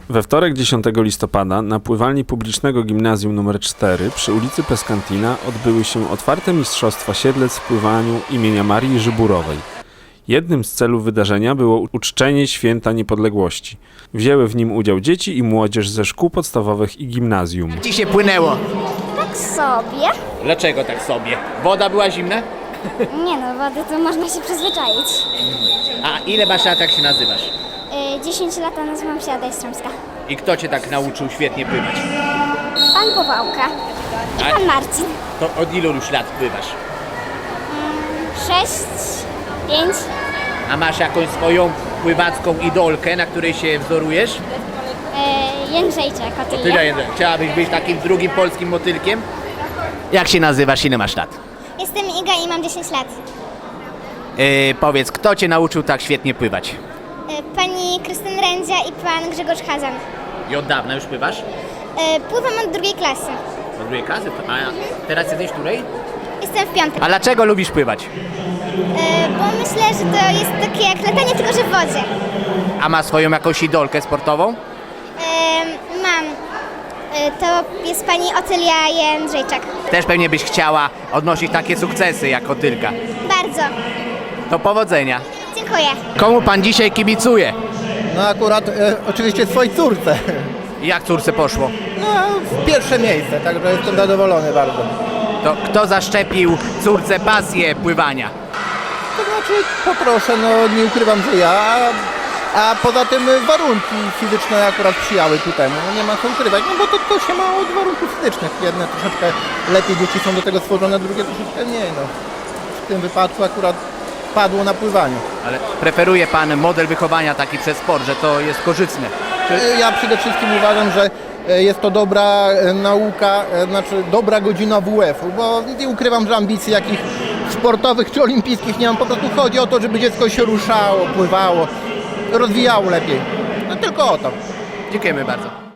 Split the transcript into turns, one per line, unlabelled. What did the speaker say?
We wtorek 10 listopada na pływalni publicznego gimnazjum nr 4 przy ulicy Peskantina odbyły się otwarte mistrzostwa Siedlec w pływaniu imienia Marii Żyburowej. Jednym z celów wydarzenia było uczczenie Święta Niepodległości. Wzięły w nim udział dzieci i młodzież ze szkół podstawowych i gimnazjum.
Jak ci się płynęło?
Tak sobie.
Dlaczego tak sobie? Woda była zimna?
Nie no, wody to można się przyzwyczaić.
A ile masz lat, jak się nazywasz?
10 lat, a nazywam się Ada Jastrzębska.
I kto cię tak nauczył świetnie pływać?
Pan Powałka i
A-
pan Marcin.
To od ilu już lat pływasz?
6, 5.
A masz jakąś swoją pływacką idolkę, na której się wzorujesz?
Jędrzejczek, Otylia.
Tyle, chciałabyś być takim drugim polskim motylkiem? Jak się nazywasz, ile masz lat?
Jestem Iga i mam 10 lat.
Powiedz, kto cię nauczył tak świetnie pływać?
Pani Krystyn Rędzia i pan Grzegorz Hazan.
I od dawna już pływasz?
Pływam od drugiej klasy.
Od drugiej klasy? A teraz jesteś której?
Jestem w piątek.
A dlaczego lubisz pływać?
Bo myślę, że to jest takie jak latanie, tylko że w wodzie.
A ma swoją jakąś idolkę sportową?
Mam. To jest pani Otylia Jędrzejczak.
Też pewnie byś chciała odnosić takie sukcesy jak Otylka.
Bardzo.
To powodzenia.
Dziękuję.
Komu pan dzisiaj kibicuje?
No akurat oczywiście swojej córce.
I jak córce poszło?
No w pierwsze miejsce, także jestem zadowolony bardzo.
To kto zaszczepił córce pasję pływania?
To znaczy poproszę, no nie ukrywam, że ja, a poza tym warunki fizyczne akurat sprzyjały ku temu. No nie ma co ukrywać, no bo to się ma od warunków fizycznych. Jedne troszeczkę lepiej dzieci są do tego stworzone, drugie troszeczkę mniej. No. W tym wypadku akurat padło na pływaniu.
Ale preferuje pan model wychowania taki przez sport, że to jest korzystne.
Ja przede wszystkim uważam, że jest to dobra nauka, znaczy dobra godzina WF-u, bo nie ukrywam, że ambicji jakich sportowych czy olimpijskich nie mam. Po prostu chodzi o to, żeby dziecko się ruszało, pływało, rozwijało lepiej. No tylko o to.
Dziękujemy bardzo.